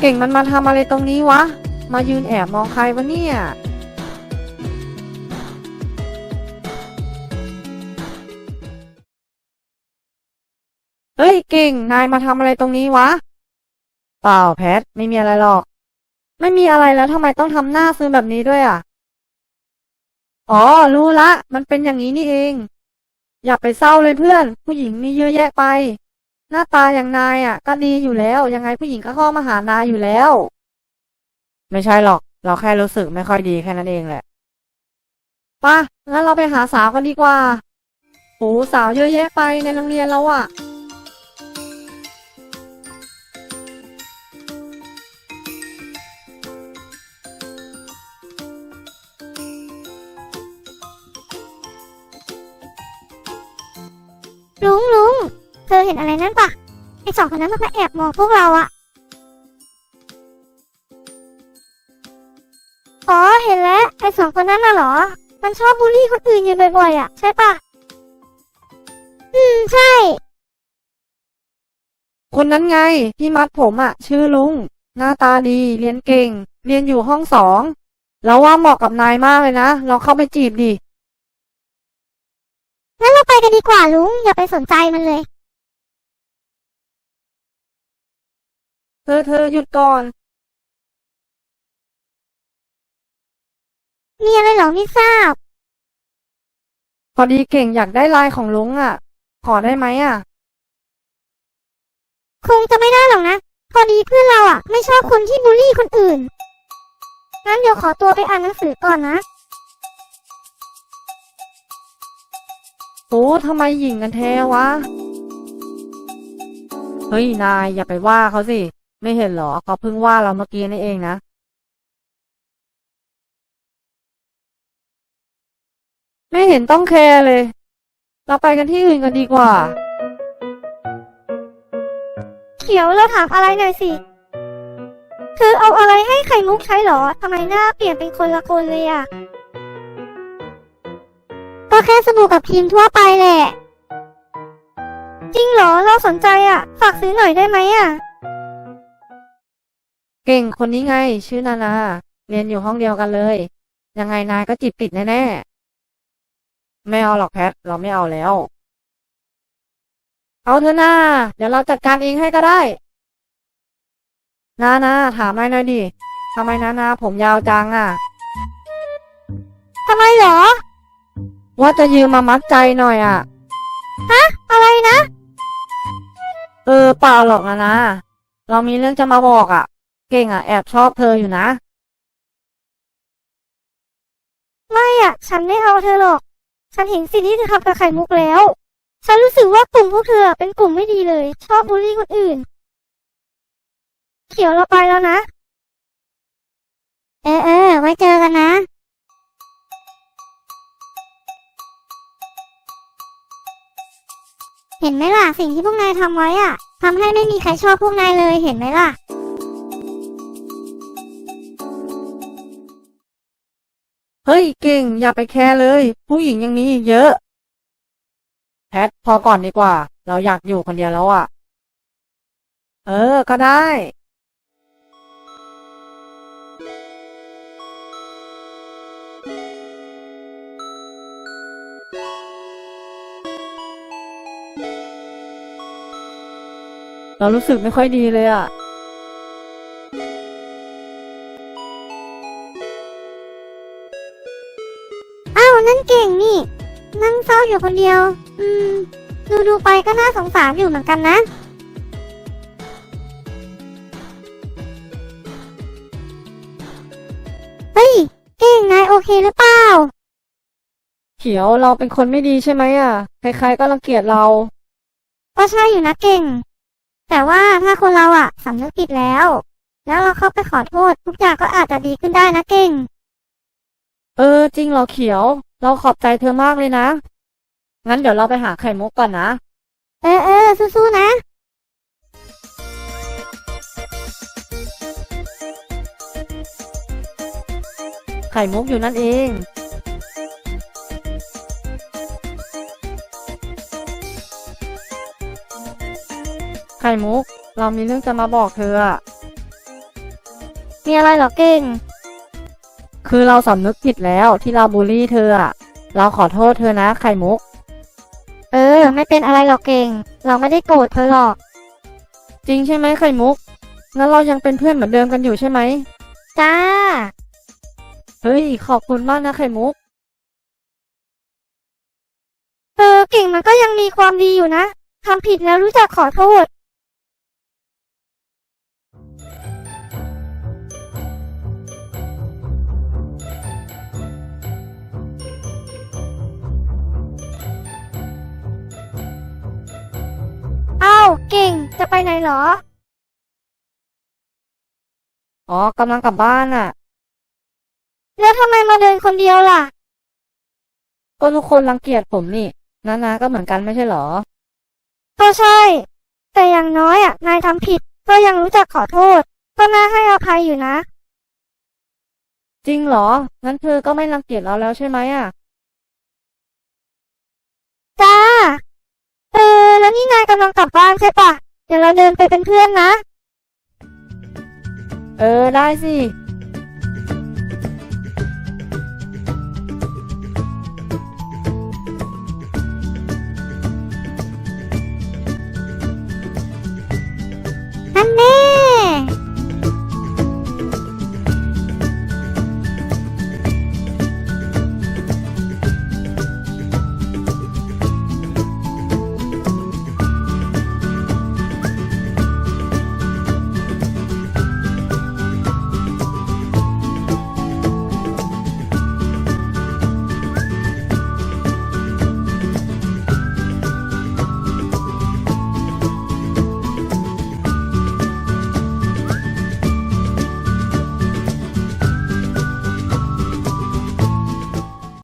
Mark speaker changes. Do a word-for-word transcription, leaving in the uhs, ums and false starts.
Speaker 1: ก่งมันมาทำอะไรตรงนี้วะมายืนแอบมองใครวะเนี่ยเฮ้ยเก่งนายมาทำอะไรตรงนี้วะเปล่าแพทไม่มีอะไรหรอกไม่มีอะไรแล้วทำไมต้องทำหน้าซึมแบบนี้ด้วยอ่ะอ๋อรู้ละมันเป็นอย่างนี้นี่เองอย่าไปเศร้าเลยเพื่อนผู้หญิงมีเยอะแยะไปหน้าตาอย่างนายอ่ะก็ดีอยู่แล้วยังไงผู้หญิงก็เข้ามาหานายอยู่แล้วไม่ใช่หรอกเราแค่รู้สึกไม่ค่อยดีแค่นั้นเองแหละป่ะงั้นเราไปหาสาวกันดีกว่าโอ้สาวเยอะแยะไปในโรงเรียนเราอ่ะ
Speaker 2: ลุงลุงเธอเห็นอะไรนั่นปะไอสองคนนั้นมันมาแอบมองพวกเราอะอ๋อเห็นแล้วไอสองคนนั้นน่ะเหรอมันชอบบูลลี่คนอื่นอยู่บ่อยๆอะใช่ปะอืมใช่
Speaker 1: คนนั้นไงที่มัดผมอ่ะชื่อลุงหน้าตาดีเรียนเก่งเรียนอยู่ห้องสองแล้วว่าเหมาะกับนายมากเลยนะลองเข้าไปจีบดิ
Speaker 2: งั้นเราไปกันดีกว่าลุงอย่าไปสนใจมันเลย
Speaker 1: เธอเธอหยุดก่อน
Speaker 2: มีอะไรเหรอไม่ทราบ
Speaker 1: พอดีเก่งอยากได้ไลน์ของลุงอ่ะขอได้ไหมอ่ะ
Speaker 2: คงจะไม่ได้หรอกนะพอดีเพื่อนเราอะไม่ชอบคนที่บูลลี่คนอื่นงั้นเดี๋ยวขอตัวไปอ่านหนังสือก่อนนะ
Speaker 1: โอ้ทำไมหญิงกันแท้วะเฮ้ยนายอย่าไปว่าเขาสิไม่เห็นเหรอเขาเพิ่งว่าเราเมื่อกี้นี่เองนะไม่เห็นต้องแคร์เลยเราไปกันที่อื่นกันดีกว่า
Speaker 2: เขียวเราถามอะไรหน่อยสิเธอเอาอะไรให้ไข่มุกใช้หรอทำไมหน้าเปลี่ยนเป็นคนละคนเลยอะก็แค่สบู่กับครีมทั่วไปแหละจริงเหรอเราสนใจอะฝากซื้อหน่อยได้ไหมอะ
Speaker 1: เก่งคนนี้ไงชื่อนานาเรียนอยู่ห้องเดียวกันเลยยังไงนายก็จีบติดแน่ๆไม่เอาหรอกแพทเราไม่เอาแล้วเอาเถอะนาเดี๋ยวเราจัดการเองให้ก็ได้นานาถามนายหน่อยดิทำไมนานาผมยาวจังอ่ะ
Speaker 2: ทำไมเหรอ
Speaker 1: ว่าจะยืมมามัดใจหน่อยอ่ะ
Speaker 2: ฮะอะไรนะ
Speaker 1: เออเปล่าหรอกนะนะเรามีเรื่องจะมาบอกอ่ะเก่งอ่ะแอบชอบเธออยู่นะ
Speaker 2: ไม่อะฉันไม่เอาเธอหรอกฉันเห็นสิ่งที่เธอทำกับไข่มุกแล้วฉันรู้สึกว่ากลุ่มพวกเธอเป็นกลุ่มไม่ดีเลยชอบบูลลี่คนอื่นเขียวเราไปแล้วนะเออเออไว้เจอกันนะเห็นไหมล่ะสิ่งที่พวกนายทำไว้อ่ะทำให้ไม่มีใครชอบพวกนายเลยเห็นไหมล่ะ
Speaker 1: เฮ้ยเก่งอย่าไปแคร์เลยผู้หญิงยังมีอีกเยอะแพทพอก่อนดีกว่าเราอยากอยู่คนเดียวแล้วอ่ะเออก็ได้เรารู้สึกไม่ค่อยดีเลยอ่ะ
Speaker 2: อ้าวนั่นเก่งนี่นั่งเศร้าอยู่คนเดียวอืมดูดูไปก็น่าสงสารอยู่เหมือนกันนะเฮ้ยเก่งนายโอเคหรือเปล่า
Speaker 1: เขียวเราเป็นคนไม่ดีใช่ไหมอ่ะใครๆก็รังเกียจเรา
Speaker 2: ก็ใช่อยู่นะเก่งแต่ว่าถ้าคนเราอะสำนึกผิดแล้วแล้วเราเข้าไปขอโทษทุกอย่างก็อาจจะดีขึ้นได้นะเก่ง
Speaker 1: เออจริงเหรอเขียวเราขอบใจเธอมากเลยนะงั้นเดี๋ยวเราไปหาไข่มุกก่อนนะ
Speaker 2: เออเออสู้ๆนะ
Speaker 1: ไข่มุกอยู่นั่นเองไข่มุกเรามีเรื่องจะมาบอกเธออะ
Speaker 2: มีอะไรเหรอเก่ง
Speaker 1: คือเราสำนึกผิดแล้วที่เราบูลลี่เธออะเราขอโทษเธอนะไข่มุก
Speaker 2: เออ ไม่เป็นอะไรหรอกเก่ง เราไม่ได้โกรธเธอหรอก
Speaker 1: จริงใช่ไหมไข่มุกงั้นเรายังเป็นเพื่อนเหมือนเดิมกันอยู่ใช่ไหม
Speaker 2: จ้า
Speaker 1: เฮ้ยขอบคุณมากนะไข่มุก
Speaker 2: เออ เก่งมันก็ยังมีความดีอยู่นะทำผิดแล้วรู้จักขอโทษ อ้าว เก่ง จะไปไหนเหรอ
Speaker 1: อ๋อกำลังกลับบ้านอ่ะ
Speaker 2: แล้วทำไมมาเดินคนเดียวล่ะ
Speaker 1: ก็ทุกคนรังเกียจผมนี่นานาก็เหมือนกันไม่ใช่เหรอ
Speaker 2: ก็ใช่ แต่อย่างน้อยอ่ะ นายทำผิด ก็ยังรู้จักขอโทษ ก็น่าให้อภัยอยู่นะ
Speaker 1: จริงเหรองั้นเธอก็ไม่รังเกียจเราแล้วใช่ไหมอ่ะ
Speaker 2: จ้า เออ แล้วนี่นายกำลังกลับบ้านใช่ปะ เดี๋ยวเราเดินไปเป็นเพื่อนนะ
Speaker 1: เออได้สิ